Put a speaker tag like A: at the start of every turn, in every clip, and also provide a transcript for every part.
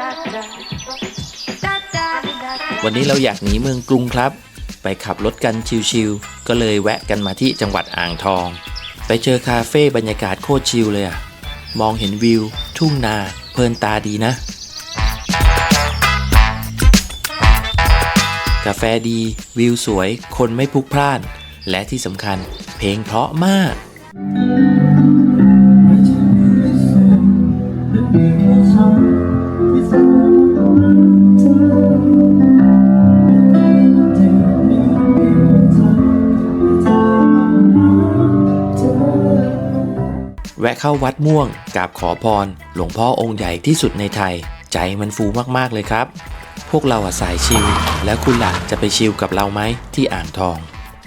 A: วันนี้เราอยากหนีเมืองกรุงครับไปขับรถกันชิลๆก็เลยแวะกันมาที่จังหวัดอ่างทองไปเจอคาเฟ่บรรยากาศโคตรชิลเลยอะมองเห็นวิวทุ่งนาเพลินตาดีนะกาแฟดีวิวสวยคนไม่พลุกพล่านและที่สำคัญเพลงเพราะมากแวะเข้าวัดม่วงกราบขอพรหลวงพ่อองค์ใหญ่ที่สุดในไทยใจมันฟูมากๆเลยครับพวกเราสายชิลแล้วคุณล่ะจะไปชิลกับเราไหมที่อ่างทอง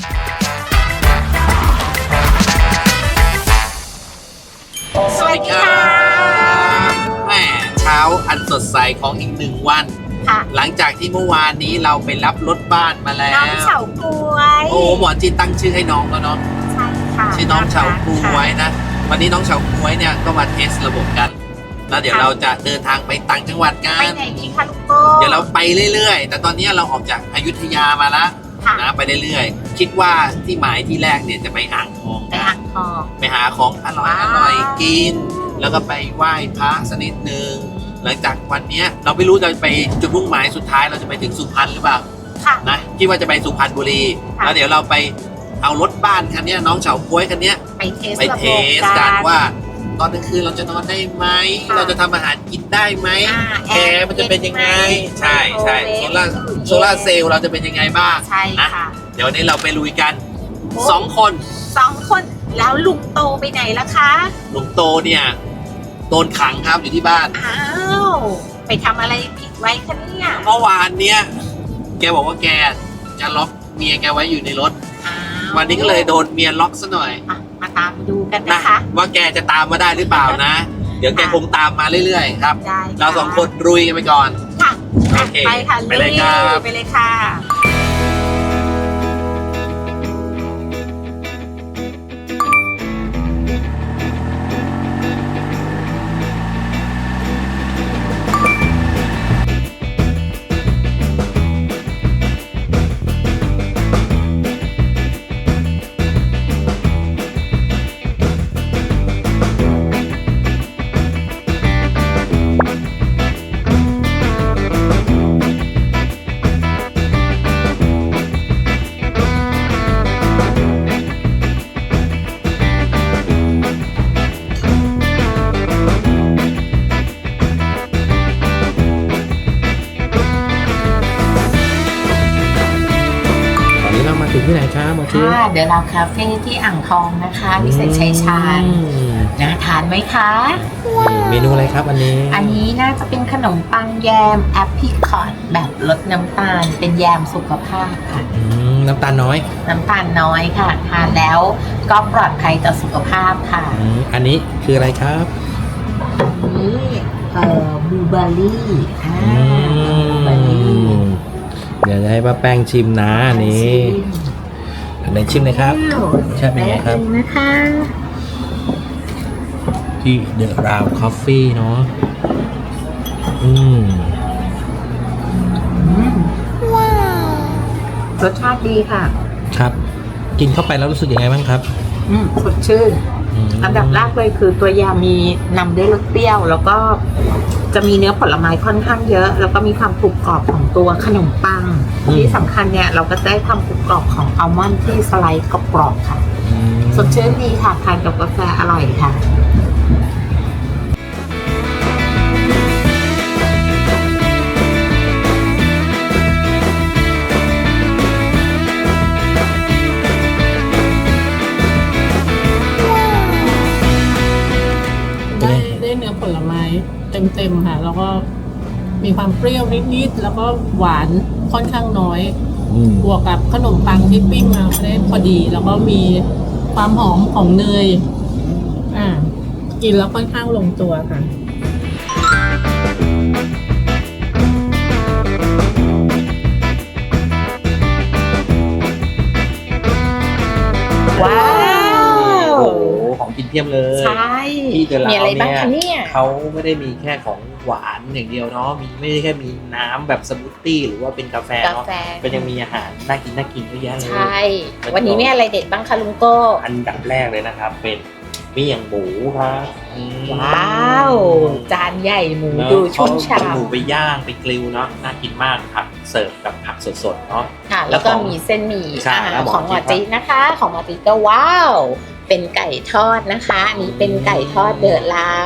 B: สวัสดีครับแม่เช้าอันสดใสของอีก1 วันหลังจากที่เมื่อวานนี้เราไปรับรถบ้านมาแล้ว
C: น้องเฉาก๊วย
B: โอ้หมอจีนตั้งชื่อให้น้องแล้วเนาะ
C: ใช่ค่ะ
B: ชื่อน้องเฉาก๊วยนะวันนี้น้องเฉาก๊วยเนี่ยก็มาเทสระบบกันแล้วเดี๋ยวเราจะเดินทางไปต่างจังหวัดกัน
C: ไปไหนดีคะลูกโก้
B: เดี๋ยวเราไปเรื่อยๆแต่ตอนนี้เราออกจากอยุธยามาแล้วนะไปเรื่อยๆคิดว่าที่หมายที่แรกเนี่ยจะไปอ่างทอง
C: ไปอ่างทอง
B: ไปหาของอร่อยกินแล้วก็ไปไหว้พระสักนิดนึงหลังจากวันนี้เราไม่รู้จะไปจุดมุ่งหมายสุดท้ายเราจะไปถึงสุพรรณหรือเปล่านะคิดว่าจะไปสุพรรณบุรีแล้วเดี๋ยวเราไปเอารถบ้านคันนี้น้องเฉาก๊วยคันนี้
C: ไปเทส
B: กันว่าตอนกลางคืนเราจะนอนได้ไหมเราจะทำอาหารกินได้ไหมแอร์มันจะเป็นยังไงใช่โซล่าเซลล์เราจะเป็นยังไงบ้างนะเดี๋ยววันนี้เราไปลุยกัน2 คน
C: แล้วลุงโตไปไหนล่ะคะ
B: ลุงโตเนี่ยโดนขังครับอยู่ที่บ้าน
C: อ้าวไปทำอะไรผิดไว้คะเนี่ย
B: เมื่อวานเนี่ยแกบอกว่าแกจะล็อกเมียแกไว้อยู่ในรถวันนี้ก็เลยโดนเมียล็อกซะหน่อย
C: มาตามดูกันนะคะ
B: ว่าแกจะตามมาได้หรือเปล่านะเดี๋ยวแกคงตามมาเรื่อยๆครับเรา2 คนรุยกันไปก่อน
C: ค่ะไปค่ะ
B: ไปเลยครับ
C: ไปเลยค่ะ
A: ที่ไหนคะหมอชื่อ
C: เดี๋ยวเราคาเฟ่ที่อ่างทองนะคะวิเศษชัยชาญน่าทานไหมคะ
A: เมนูอะไรครับอัน
C: นี้น่าจะเป็นขนมปังแยมแอปพริคอตแบบลดน้ำตาลเป็นแยมสุขภาพค่ะ
A: น้ำตาลน้อย
C: ค่ะทานแล้วก็ปลอดภัยต่อสุขภาพค่ะ
A: อันนี้คืออะไรครับ
C: นี่บลูเบอร์รี่
A: เดี๋ยวจะให้ป้าแป้งชิมนะนี่อันไหนชิมเลยครับใช่เป็นไงครับ
C: นะคะ
A: ที่เดอะราวคอฟฟี่เนาะ
C: ว้าวรสชาติดีค่ะ
A: ครับกินเข้าไปแล้วรู้สึกยังไงบ้างครับ
C: สดชื่นอันดับแรกเลยคือตัวยามีนำด้วยรสเปรี้ยวแล้วก็จะมีเนื้อผลไม้ค่อนข้างเยอะแล้วก็มีความกรุบกรอบของตัวขนมปังที่สำคัญเนี่ยเราก็ได้ความกรุบกรอบของอัลมอนด์ที่สไลด์กรอบๆค่ะสดชื่นดีค่ะทานกับกาแฟอร่อยค่ะ
D: ได้เนื้อผลไม้เต็มค่ะแล้วก็มีความเปรี้ยวนิดๆแล้วก็หวานค่อนข้างน้อยบวกกับขนมปังที่ปิ้งมาได้พอดีแล้วก็มีความหอมของเนยกินแล้วค่อนข้างลงตัวค่ะ
C: ว้าว
A: โอ้โหของกินเพียบเลย
C: ใช่
A: ที่เดอะลาว
C: เนี่ยเขา
A: ไม่ได้มีแค่ของ
B: หวานอย่างเดียวเนาะมีไม่ได้แค่มีน้ำแบบสมูทตี้หรือว่าเป็นกาแฟ
C: กา
B: เนาะ
C: แฟ
B: ก็ยังมีอาหารน่ากินเยอะแยะเลย
C: ใช่ วันนี้มีอะไรเด็ดบ้างคะลุงโก้
B: อันดับแรกเลยนะครับ เป็นเมี่ยงหมูครับอืม
C: ว้าว จานใหญ่หมู
B: เนอะ
C: ดูชุ่ม
B: เอาหมู
C: ฉ่ำ
B: ไปย่างไปกริลเนาะน่ากินมากครับเสิร์ฟกับผักสดๆเนาะ
C: ค่ะ แล้วก็มีเส้นหมี่
B: ใช่แล้วหมอ
C: ของหมอ
B: จิ๊
C: จิ๊
B: บ
C: นะคะ ของหมอจิ๊ก็ว้าว เป็นไก่ทอดนะคะอันนี้เป็นไก่ทอดเดอะลาว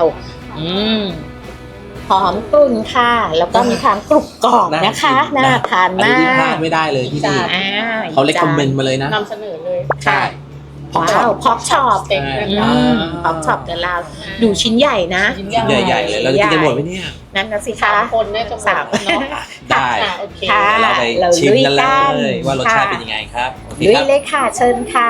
C: หอมกรุ่นค่ะ แล้วก็มีความกรุบกรอบนะคะน่าทาน
B: อัน
C: มา
B: นี้ที่พลาด
C: ก
B: ไม่ได้เลยที่นี่
C: อ่
B: เขาเลคคอมเมนต์มาเลยนะ
D: นำเสนอเลย
B: ใช่
C: ว้าวพอกช็อป
D: เต็มเลย
C: พอกช็อปเดอะลาวดูชิ้นใหญ่นะ
D: ชิ้น
B: ชิ้นใหญ่ๆเลยเราจะกินกันหมดไหมเนี่ย
C: นั่นนะสิคะ
D: คนเนี่ยจะหมดเนาะ
B: ได้
D: โอเค
C: ค่ะ
B: เดี๋ยวเราไป
C: เรา
B: ชิมกัน
C: ลุยกัน
B: เลยว่ารสชาติ
C: ค่ะ
B: เป็นยังไงครับโอเค
C: ลุย
B: ครับ
C: เลยค่ะ เชิญค่ะ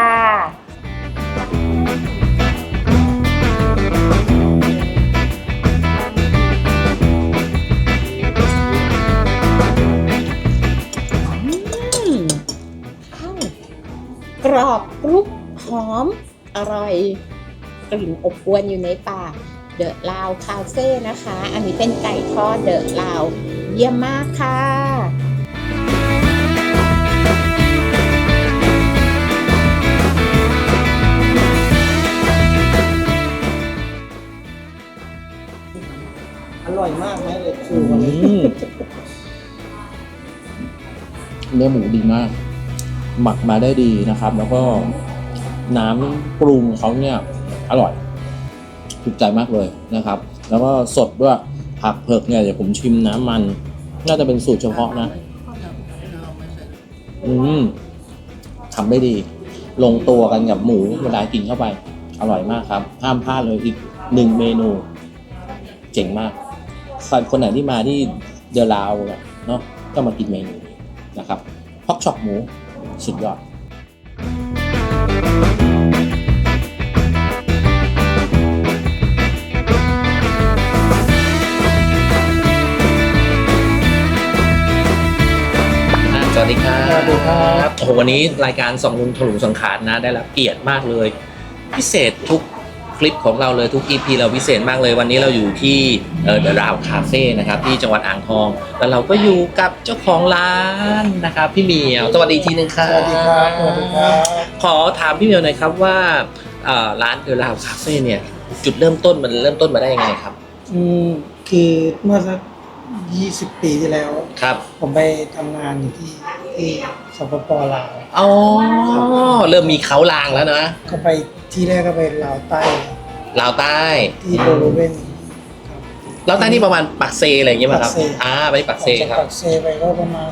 C: กรอบกรุบหอม อร่อย กลิ่นอบอวนอยู่ในปากเดอะลาวคาเฟ่นะคะ อันนี้เป็นไก่ทอดเดอะลาวเยี่ยมมากค่ะ
E: อร่อยมากไหมเลยคือวันนี้
A: เนื้อหมูดีมาก หมักมาได้ดีนะครับ แล้วก็น้ำปรุงเขาเนี่ยอร่อยถูกใจมากเลยนะครับ แล้วก็สดด้วยผักเผือกเนี่ยเดี๋ยวผมชิมน้ำมัน น่าจะเป็นสูตรเฉพาะนะทำได้ดี ลงตัวกันกับหมูเวลากินเข้าไป อร่อยมากครับห้ามพลาดเลยอีกหนึ่งเมนู เจ๋งมากคนไหนที่มาที่เดอะลาวเนี่ยเนาะก็มากินเมนูนี้นะครับพอกช็อปหมูสุดยอด
B: สวัสดีครับ
E: สวัสดีครับ
B: โอ้โหวันนี้รายการส่องลุงถลุงสังขารนะได้รับเกียรติมากเลย พิเศษทุกคลิปของเราเลยทุก EP เราพิเศษมากเลยวันนี้เราอยู่ที่เดอะราวคาเฟ่นะครับที่จังหวัดอ่างทองแล้วเราก็อยู่กับเจ้าของร้านนะครับพี่เหมียวสวัสดีทีนึงครับ
E: สวัสดีครับสวัสดีครับ
B: ขอถามพี่เหมียวหน่อยครับว่าร้านเดอะราวคาเฟ่เนี่ยจุดเริ่มต้นมันเริ่มต้นมาได้ยังไงครับ
E: คือเมื่อสัก20 ปีที่แล้ว
B: ครับ
E: ผมไปทำงานอยู่ที่สปป.ลาว
B: อ๋อเริ่มมีเขาลางแล้วนะ
E: ก็ไปที่แรกก็ไปลาวใต้
B: ลาวใต้
E: ที่โบโลเวน
B: ลาวใต้นี่ประมาณปักเซอะไรอย่างเงี้ยป่ะครับ
E: ปักเซ
B: ไปปักเซ
E: ออกจาก
B: ครับ
E: ปักเซไปก็ประมาณ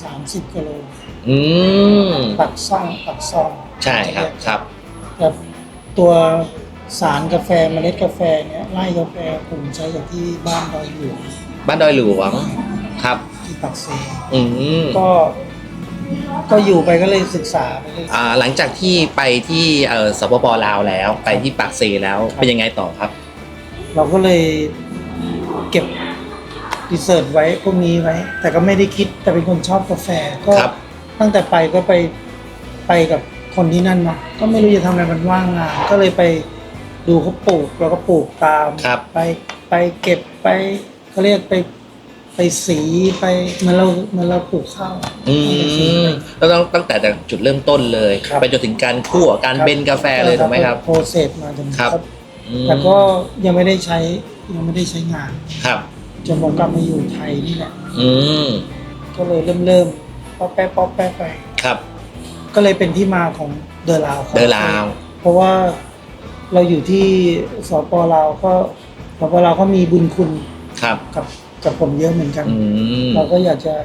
E: 30 กิโล
B: อืม
E: ปักซ่อง
B: ใช่ครับครับ
E: กับตัวสารกาแฟเมล็ดกาแฟเนี่ยไร่กาแฟผมใช้จากที่บ้านดอยหลวง
B: บ้านดอยหลวงครับ
E: ที่ปักเซ
B: อืม
E: ก็อยู่ไปก็เลยศึกษาไปเลย
B: หลังจากที่ไปที่สปปลาวแล้วไปที่ปักเซแล้วเป็นยังไงต่อครับ
E: เราก็เลยเก็บรีเสิร์ชไว้พวกนี้ไว้ แต่ก็ไม่ได้คิดแต่เป็นคนชอบกาแฟก็
B: ครับ
E: ตั้งแต่ไปก็ไปกับคนที่นั่นเนาะก็ไม่รู้จะทำอะไรมันว่างงานก็เลยไปดูเขาปลูกเราก็ปลูกตาม
B: ครับ
E: ไปเก็บไปเขาเรียกไปสีไปเหมือนเราปลูกข้าว
B: อื
E: ไปสี
B: มแล้วตั้งแต่จุดเริ่มต้นเลย
E: ครับ
B: ไปจนถึงการคั่วการเบนกาแฟเลยถูกไหมครับ
E: โปรเซสมาจน
B: ครับอืม
E: แต่ก็ยังไม่ได้ใช้งาน
B: ครับ
E: จนผมกลับมาอยู่ไทยนี่แหละ
B: อืม
E: ก็เลยเริ่มป๊อปแป๊ะไป
B: ครับ
E: ก็เลยเป็นที่มาของเดอะลาว
B: เดอะลาว
E: เพราะว่าเราอยู่ที่สปลาวก็สปลาวก็มีบุญคุณ
B: ครับ
E: กับผมเยอะเหมือนกัน
B: อืม
E: เราก็อยากจะ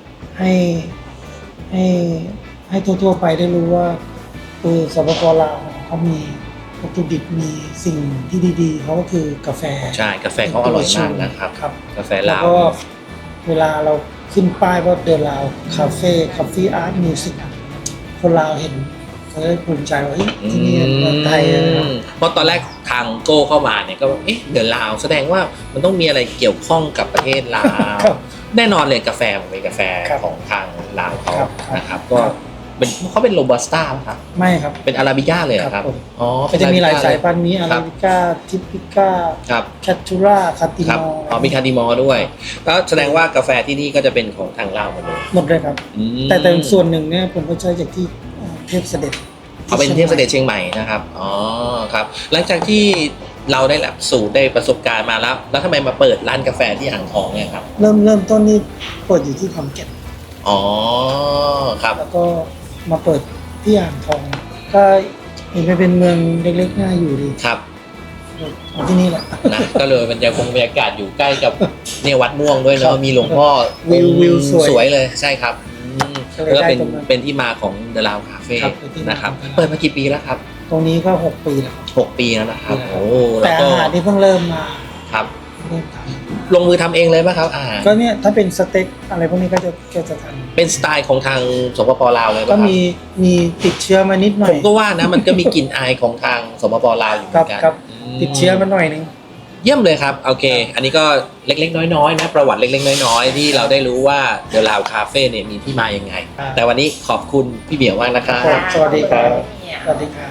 E: ให้ทั่วๆไปได้รู้ว่าสปปลาวเขามีวัตถุดิบมีสิ่งที่ดีๆเขาก็คือกาแฟ
B: ใช่กาแฟเขาอร่อยมากนะครับ
E: ครับ
B: กาแฟ
E: แล้ว
B: ลาว
E: ก็เวลาเราขึ้นป้ายว่าเดอะลาวคาเฟ่อาร์ตมิวสิกคนลาวเห็นเขาได้ภูมิใจว่าเฮ้ยที่นี่เมืองไทยนะครับ
B: เพราะตอนแรกทางโก้เข้ามาเนี่ยก็เอ๊ะเดอะลาวแสดงว่ามันต้องมีอะไรเกี่ยวข้องกับประเทศลาว
E: ครับ
B: แน่นอนเลยกาแฟมันเป็นกาแฟ
E: ครับ
B: ของทางลาวเขา
E: ครับ
B: นะครับ ก็เขาเป็นโรบัสต้าครับ
E: ไม่ครับ
B: เป็นอาราบิก้าเลยเหรอครับ
E: ผม
B: อ๋อ
E: ก็จะมีหลายสายพัน
B: ธุ์
E: ธุ์มีอาราบิก้าทิปิก้า
B: ครับ
E: แคทูราคาติ
B: ครับ
E: มอ
B: อ๋อมีคาร์ดิมอร์ด้วยก็แสดงว่ากาแฟที่นี่ก็จะเป็นของทางลาวหมดเลย
E: หมดเลยครับ
B: อืม
E: แต่ส่วนหนึ่งเนี่ยผมก็ใช้จากที่เทพเสด็จ
B: เอาเป็นเทพเสด็จเชียงใหม่นะครับอ๋อครับหลังจากที่เราได้หลักสูตรได้ประสบการณ์มาแล้วทำไมมาเปิดร้านกาแฟที่อ่างทองเนี่ยครับ
E: เริ่มต้นนี่เปิดอยู่ที่ขอนแก่น
B: อ๋อครับ
E: แล้วก็มาเปิดที่อ่างทอง ก็เห็นไปเป็นเมืองเล็กๆน่าอยู่ดี
B: ครับ
E: เอาที่นี่แหละ
B: นะก็เลยมันจะคงบรรยากาศอยู่ใกล้กับเนี่ยวัดม่วงด้วย
E: ครั
B: เนาะ
E: บ
B: มีหลวงพ่อ
E: วิวสวย
B: เลยใช่ครับ
E: ก็เลย
B: แล้วก็
E: ได้
B: เป็น
E: ตรงนั้น
B: เป็นที่มาของเดลาวคาเฟ่
E: ครับเป็นที่มา
B: นะครับ
E: ของ The Lao
B: เปิดมากี่ปีแล้วครับ
E: ตรงนี้ก็6 ปีแล้ว
B: 6 ปีแล้วนะครับโอ้
E: แต่
B: แล้วก็
E: อาหารที่เพิ่งเริ่มมา
B: ครับ
E: เริ่มท
B: ลงมือทำเองเลยป่ะครับอาหาร
E: ำก็เนี่ยถ้าเป็นสเต็กอะไรพวกนี้ก็จะท
B: เป็นสไตล์ของทางสปปลาวเลย
E: ำ
B: ป่ะ
E: ก็
B: ครับ
E: มีติดเชื้อมานิดหน่อ
B: ผ
E: ย
B: มก็ว่านะมันก็มีกลิ่นอายของทางสปปลาวอยู่เหมือนกัน
E: ครับ
B: อืม
E: ติดเชื้อมาหน่อยนึง
B: เยี่ยมเลยครับโอเค อันนี้ก็เล็กๆน้อยๆนะประวัติเล็กๆน้อยๆที่เราได้รู้ว่าเดลาวคาเฟ่เนี่ยมีที่มายังไง
E: ครับ
B: แต่วันนี้ขอบคุณพี่เบี่ยวมากนะครับ
E: ครับสวัสดีครับสวัสดีครับ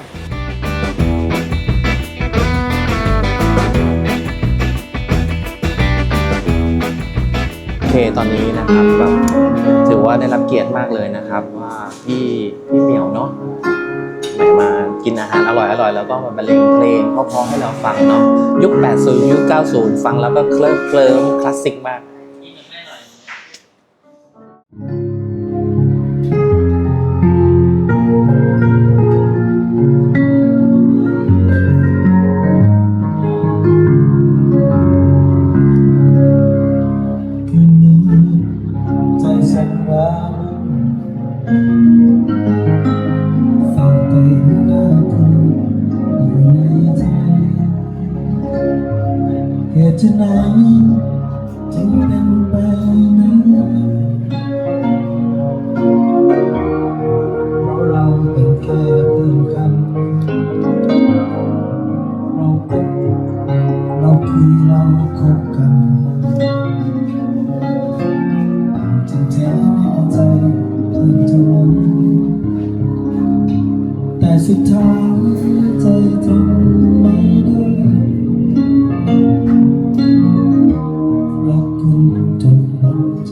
A: โอเคตอนนี้นะครับแบบถือว่าได้รับเกียรติมากเลยนะครับว่าพี่เหมียวเนาะแหมมากินอาหารอร่อยแล้วก็มาบรรเลงเพลงเพราะๆให้เราฟังเนาะยุค 80 ยุค 90 ฟังแล้วก็เคลิ้มคลาสสิกมาก
E: คืนนี้ใจสั่นว้าฝากไปหน้าคุณอยู่ในใจเหตุไหนจึงเป็นไปนั้นเพราะเราเป็นแค่เพื่อนกันเราคบเราคุยเราคบกัน จริงแท้แน่ใจเพียงเท่านั้นแต่สุดท้ายใจทนไม่ได้รักคุณจนหมดใจ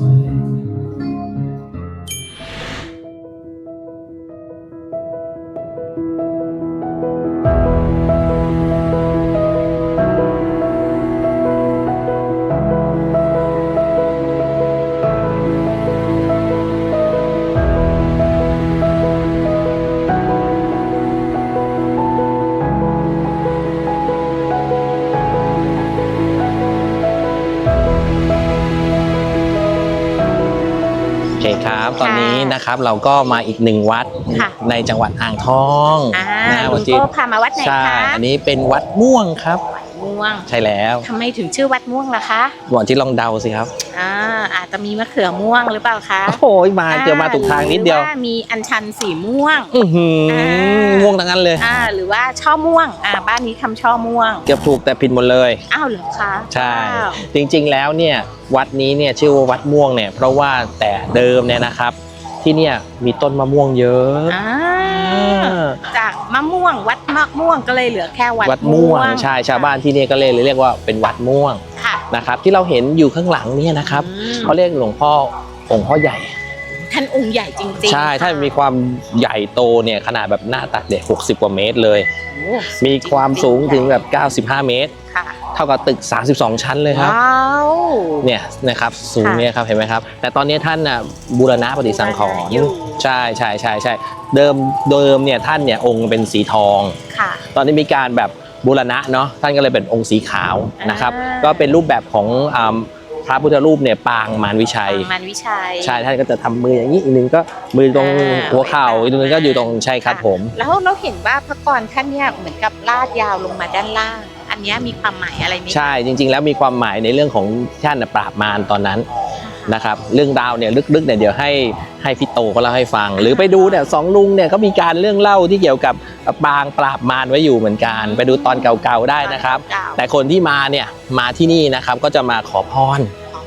A: โอเคครับตอนนี้นะครับเราก็มาอีกหนึ่งวัด
F: ค่ะ
A: ในจังหวัดอ่างทอง
F: ลุ
A: วัน
F: ง
A: ที่
F: โก้พามาวัดไหน
A: ใช่
F: คะ
A: อันนี้เป็นวัดม่วงครับ
F: ม่วง
A: ใช่แล้ว
F: ทำไมถึงชื่อวัดม่วงล่ะคะ
A: วันที่ลองเดาสิครับ
F: อาจจะมีมะเขือม่วงหรือเปล่าคะ
A: โอ้โหมาเจอมาถูกทางนิดเดียว
F: หรือว่ามีอัญชันสีม่วง
A: อื้อหือ
F: อ่า
A: ม่วงทั้งนั้นเลย
F: หรือว่าช่อม่วงบ้านนี้ทำช่อม่วง
A: เกือบถูกแต่ผิดหมดเลย
F: อ้าวเหรอคะ
A: ใช่
F: ว้าว
A: จริงๆแล้วเนี่ยวัดนี้เนี่ยชื่อว่าวัดม่วงเนี่ยเพราะว่าแต่เดิมเนี่ยนะครับ ที่เนี่ยมีต้นมะม่วงเยอะ
F: อ่าจากมะม่วงวัดมะม่วงก็เลยเหลือแค่วัด
A: วัดม่วงใช่ชาวบ้านที่เนี่ยก็เลยเรียกว่าเป็นวัดม่วง
F: ค่ะ
A: นะครับที่เราเห็นอยู่ข้างหลังเนี่ยนะครับ
F: อืม
A: เขาเรียกหลวงพ่อองค์พ่อใหญ่
F: ท่านองค์ใหญ่จริงๆ
A: ใช่ท่านมีความใหญ่โตเนี่ยขนาดแบบหน้าตักเด็ก60 กว่าเมตรเลย
F: โอ้
A: มีความสูงถึงแบบ95 เมตร
F: ค่ะ
A: เท่ากับตึก32 ชั้นเลยครับ
F: ว้าว
A: เนี่ยนะครับสูงเนี่ยครับเห็นไหมครับแต่ตอนนี้ท่านน่ะบูรณะปฏิสังขรณ์
F: อยู่
A: ใช่เดิมเนี่ยท่านเนี่ยองค์เป็นสีทอง
F: ค่ะ
A: ตอนนี้มีการแบบบูรณะเนาะท่านก็เลยเป็นองค์สีขาวนะครับ
F: อ่า
A: ก็เป็นรูปแบบของพระพุทธรูปเนี่ยปางมารวิชัย
F: มันวิชัย
A: ใช่ท่านก็จะทำมืออย่างนี้อีกนึงก็มือตรง
F: อ่า
A: หัวเข่าอีกนึงก็อยู่ตรงใช่ครับผม
F: แล้วเราเห็นว่าพระกรท่านเนี่ยเหมือนกับลาดยาวลงมาด้านล่าง อันเนี้ยมีความหมายอะไรไหม
A: ใช่จริง ๆ แล้วมีความหมายในเรื่องของท่านน่ะปราบมารตอนนั้นนะครับเรื่องราวเนี่ยลึกๆเนี่ยเดี๋ยวให้พี่โตเขาเล่าให้ฟัง หรือไปดูเนี่ยสองลุงเนี่ยเขามีการเรื่องเล่าที่เกี่ยวกับปางปราบมารไว้อยู่เหมือนกันไปดูตอนเก่าๆได้นะครับ แต่คนที่มาเนี่ยมาที่นี่นะครับก็จะมาขอพร
F: ขอพ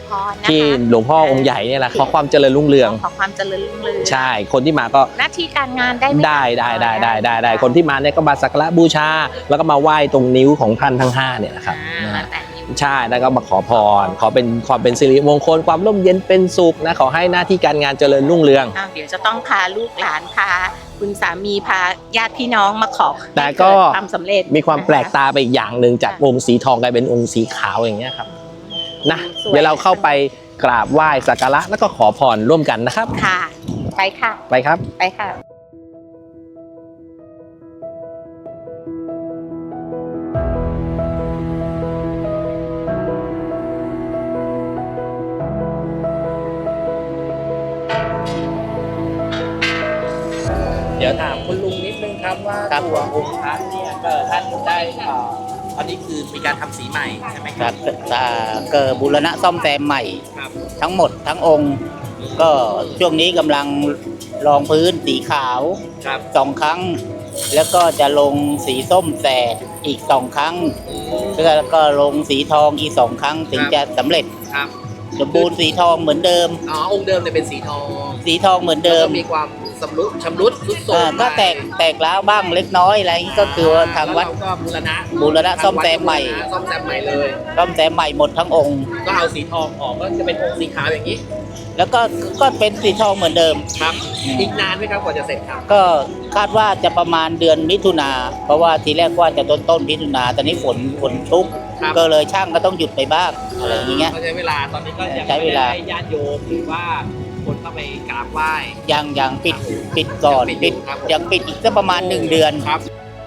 F: พรนะคะ
G: ที่หลวงพ่อองค์ใหญ่เนี่ยแหละขอความเจริญรุ่งเรือง
F: ขอความเจริญรุ่งเรือง
G: ใช่คนที่มาก็
F: หน้าที่การงานได้ไหม
G: ได้คนที่มาเนี่ยก็มาสักการะบูชา แล้วก็มาไหว้ตรงนิ้วของท่านทั้ง5เนี่ยนะครับ
F: มาแต่นิ้ว
G: ใช่แล้วก็มาขอพรขอเป็นความเป็นสิริมงคลความร่มเย็นเป็นสุขนะขอให้หน้าที่การงานเจริญรุ่งเรือง
F: เดี๋ยวจะต้องพาลูกหลานพาคุณสามีพาญาติพี่น้องมาขอ
G: แต่ก็
F: ให้เดความสำเร็จ
G: มีความแปลกตาไปอีกอย่างหนึ่งจากองค์สีทองกลายเป็นองค์สีขาวอย่างเงี้ยครับนะเดี๋ยวเราเข้าไปกราบไหว้สักการะแล้วก็ขอพรร่วมกันนะครับ
F: ค่ะ ไปค่ะ
G: ไปครับ
F: ไปค่ะ
A: เดี๋ยวถามคุณลุงนิดนึงครับว่าตัวองค์พระเนี่ยก็ท่านได้อันนี้คือมีการทำสีใหม่ใช่ไหมค
H: ค
A: รั
H: รับ บเกิดบูรณะซ่อมแซมใหม่
A: ครับ
H: ทั้งหมดทั้งองค์ ก็ช่วงนี้กำลังรองพื้นสีขาว
A: ครับ
H: 2 ครั้ง แล้วก็จะลงสีส้มแสดอีก2 ครั้ง แล้วก็ลงสีทองอีก2 ครั้งถึงจะสำเร็จ
A: ครับ
H: สมบูรณ์สีทองเหมือนเดิม
A: อ๋อองค์เดิมเนี่ยเป็นสีทอง
H: สีทองเหมือนเดิม
A: แล้วก็มีความชำรุดทรุดโทรม
H: ก็แตกร้าวบ้างเล็กน้อยอะไรอย่างนี้ก็คือว่าทางวัด
A: แล้วเราก็
H: บูรณะซ่อมแซมใหม่
A: ซ่อมแซมใหม่เลย
H: ซ่อมแซมใหม่หมดทั้งองค์
A: ก็เอาสีทองออกก็จะเป็นองค์สีขาวอย่างนี้
H: แล้วก็เป็นสีทองเหมือนเดิม
A: ครับอีกนานไหมครับกว่าจะเสร็จครับ
H: ก็คาดว่าจะประมาณเดือนมิถุนาเพราะว่าทีแรกว่าจะต้นมิถุนาตอนนี้ฝนชุก
A: ครับ
H: ก็เลยช่างก็ต้องหยุดไปบ้างอะไรอย่างเงี้ย
A: ก็ใช้เวลาตอนนี้ก็ยัง
H: ใช้
A: ไม่
H: เวลา
A: ได้ญาติโยมหรือว่าคนเข้าไปกราบไหว้
H: ยังปิดก่อน
A: ยังปิดอยู่ครับผม
H: ยังปิดอีกสักประมาณ1 เดือน
A: ครับ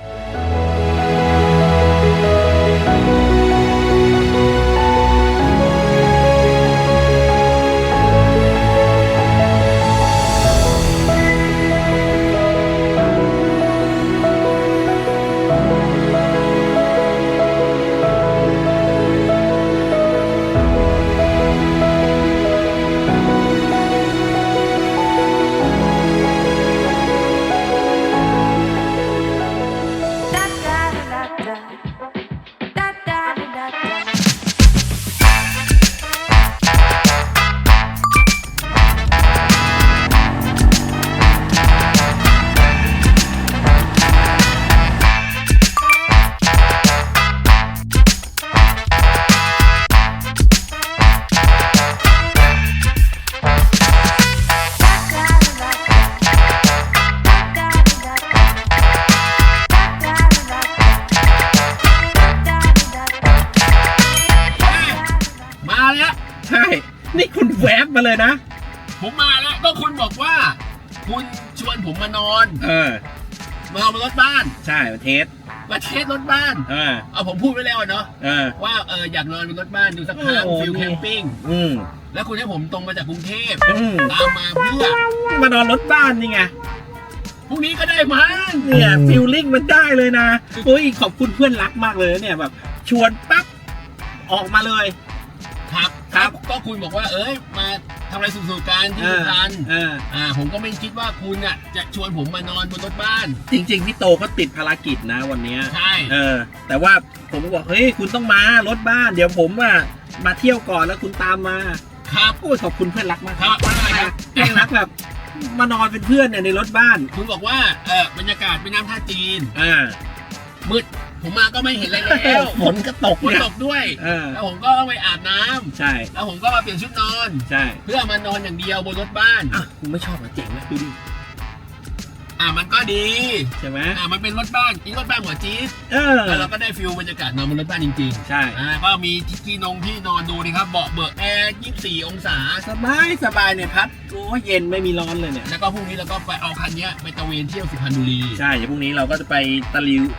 A: มาแล้วใช่ นี่คุณแวบมาเลยนะ ผมมาแล้วก็คุณบอกว่า คุณชวนผมมานอนมานอนบนรถบ้านใช่มาเทสรถบ้านเอาผมพูดไว้แล้วเนาะว่าอยากนอนบนรถบ้านดูสักครั้งฟิลแคมปิ้งแล้วคุณให้ผมตรงมาจากกรุงเทพตามมาเพื่อมานอนรถบ้านนี่ไงพรุ่งนี้ก็ได้มั้งเนี่ยฟิลลิ่งมันได้เลยนะโอ้ยขอบคุณเพื่อนรักมากเลยเนี่ยแบบชวนปั๊บออกมาเลย ครับก็คุณบอกว่ามาทำอะไรสุขๆกันที่สุพรรณผมก็ไม่คิดว่าคุณอ่ะจะชวนผมมานอนบนรถบ้านจริงๆพี่โตก็ติดภารกิจนะวันนี้ใช่แต่ว่าผมก็บอกเฮ้ยคุณต้องมารถบ้านเดี๋ยวผมอ่ะมาเที่ยวก่อนแล้วคุณตามมาครับโอ้ยขอบคุณเพื่อนรักมากครับเพื่อนรักแบบมานอนเป็นเพื่อนเนี่ยในรถบ้านคุณบอกว่าบรรยากาศเป็นน้ำท่าจีนมืดผมมาก็ไม่เห็นอะไรแล้วฝนก็ตกด้วยแล้วผมก็ต้องไปอาบน้ำใช่แล้วผมก็มาเปลี่ยนชุดนอนใช่เพื่อมานอนอย่างเดียวบนรถบ้านคุณไม่ชอบเหรอเจ๋งนะดูดิมันก็ดีใช่ไหมมันเป็นรถบ้านรถบ้านหัวจี๊ดแล้วเราก็ได้ฟิลบรรยากาศนอนบนรถบ้านจริงๆใช่ก็มีที่นอนดูนี่ครับเบาะเบิกแอร์24 องศาสบายเนี่ยพัดโอ้เย็นไม่มีร้อนเลยเนี่ยแล้วก็พรุ่งนี้เราก็ไปเอาคันนี้ไปตะเวนเที่ยวสุพรรณบุรีใช่เดี๋ยวพรุ่งนี้เราก็จะไปตะลิว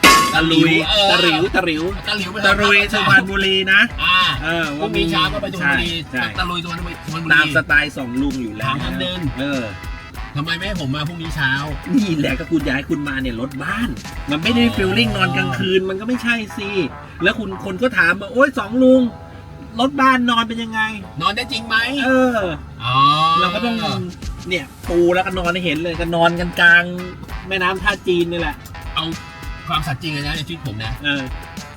A: สุพรรณบุรีนะพรุ่งนี้เช้าก็ไปสุพรรณบุรีตะลุยสุพรรณบุรีตามสไตล์2 ลุงอยู่แล้วทำเดินทำไมไม่ให้ผมมาพรุ่งนี้เช้านี่แหละก็คุณอยากให้คุณมาเนี่ยรถบ้านมันไม่ได้ฟีลลิ่งนอนกลางคืนมันก็ไม่ใช่สิแล้วคนก็ถามว่าโอ๊ย2 ลุงรถบ้านนอนเป็นยังไงนอนได้จริงไหมเราก็ต้องเนี่ยปูแล้วก็นอนให้เห็นเลยก็นอนกันกลางแม่น้ำท่าจีนนี่แหละเอาความสัตย์จริงเลยนะในชีวิตผมนะ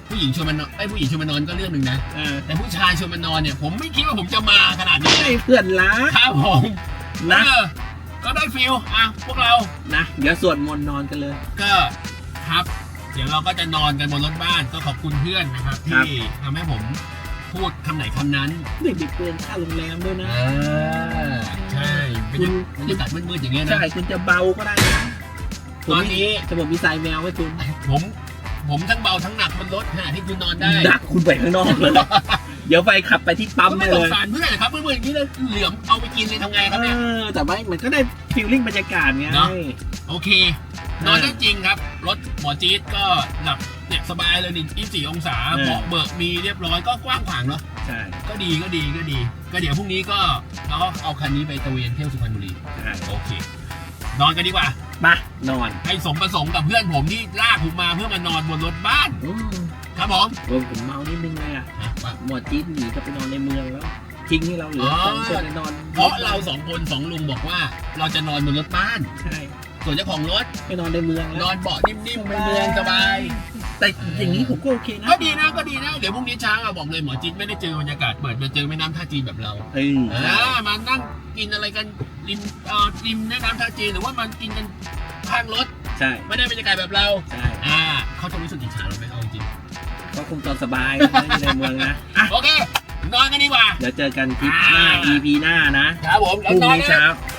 B: ผู้หญิงชวนมานอนผู้หญิงชวนมานอนก็เรื่องหนึ่งนะแต่ผู้ชายชวนมานอนเนี่ยผมไม่คิดว่าผมจะมาขนาดนี้
G: ให้เพื่อนรัก
B: ครับผม
G: นะ
B: ก็ได้ฟิลพวกเรา
G: นะเดี๋ยวสวดมนต์นอนกันเลย
B: ก็ครับ เดี๋ยวเราก็จะนอนกันบนรถบ้านก็ขอบคุณเพื่อนนะครับ
G: ครับ
B: ที่ทำให้ผมพูดคำไหนคำนั้น
G: เด็กๆเปลี่ยนค่าโรงแรมด้วยนะ
B: ใช่บรรยากาศมืดๆอย่างเงี้ยนะ
G: ใช่คุณจะเบาก็ได้นะ
B: ตอนนี้
G: จะบอกมีสายแมวไว้คุณ
B: ผมทั้งเบาทั้งหนักบนรถขณะที่คุณนอนได้
G: ดักคุณไปข้างนอกเลย เดี๋ยวไปขับไปที่ปั๊ม
B: ก็
G: ได้
B: ไม่ส
G: เล
B: ง
G: ย
B: สารเพื่อนนะครับเพื่อนๆอย่างนี้เลยเหลือมเอาไปกินเลยทำไงครับเนี่ย
G: แต่ว่ามันก็ได้ฟีลลิ่งบรรยากาศไง
B: เนอะ โอเค นอนได้จริงครับ รถหมอจี๊ดก็หลับเนี่ยสบายเลยนี่24 องศาเบาะเบิกมีเรียบร้อยก็กว้างขวางเนาะ
G: ใช่
B: ก็ดีก็เดี๋ยวพรุ่งนี้ก็เราก็เอาคันนี้ไปตระเวนเที่ยวสุพรรณบุรี
G: ใช่
B: โอเค นอนกันดีกว่า
G: มานอน
B: ให้สมประสงค์กับเพื่อนผมที่ลากผมมาเพื่อมานอนบนรถบ้าน ครับผม
G: ผมเมานิดนึงเลยอ่ะ
B: ว่า
G: หมอจี๊ดหนีก็ไปนอนในเมืองแล้วทิ้งให้เราเหลือสองคนนอน
B: เพราะเราสองคนสองลุงบอกว่าเราจะนอนบนรถบ้าน
G: ใช่
B: ส่วนเจ้าของรถ
G: ไปนอนในเมือง
B: น
G: แล้ว
B: อนเบาะนิ่มๆไปเมืองสบาย
G: แต่อย่างนี้ผมก็โอเคนะ
B: ก็ดีนะ เดี๋ยวพรุ่งนี้เช้าอะบอกเลยหมอจิ๊ดไม่ได้เจอบรรยากาศเปิดมาเจอแม่น้ำท่าจีนแบบเรา มานั่งกินอะไรกันริมแม่น้ำท่าจีนหรือว่ามันกินกันข้างรถ
G: ใช่
B: ไม่ได้บรรยากาศแบบเรา
G: ใช่
B: เขาจะรู้สึกอิจฉาเราไหมเอาจริง
G: ก็คงตอนสบายนะอยู่ในเมืองนะอ่ะ
B: โอเค นอนกันดีกว่า
G: เดี๋ยวเจอกันคลิปหน้า EP หน้านะครับ
B: ผม
G: พรุ่งนี้เช้า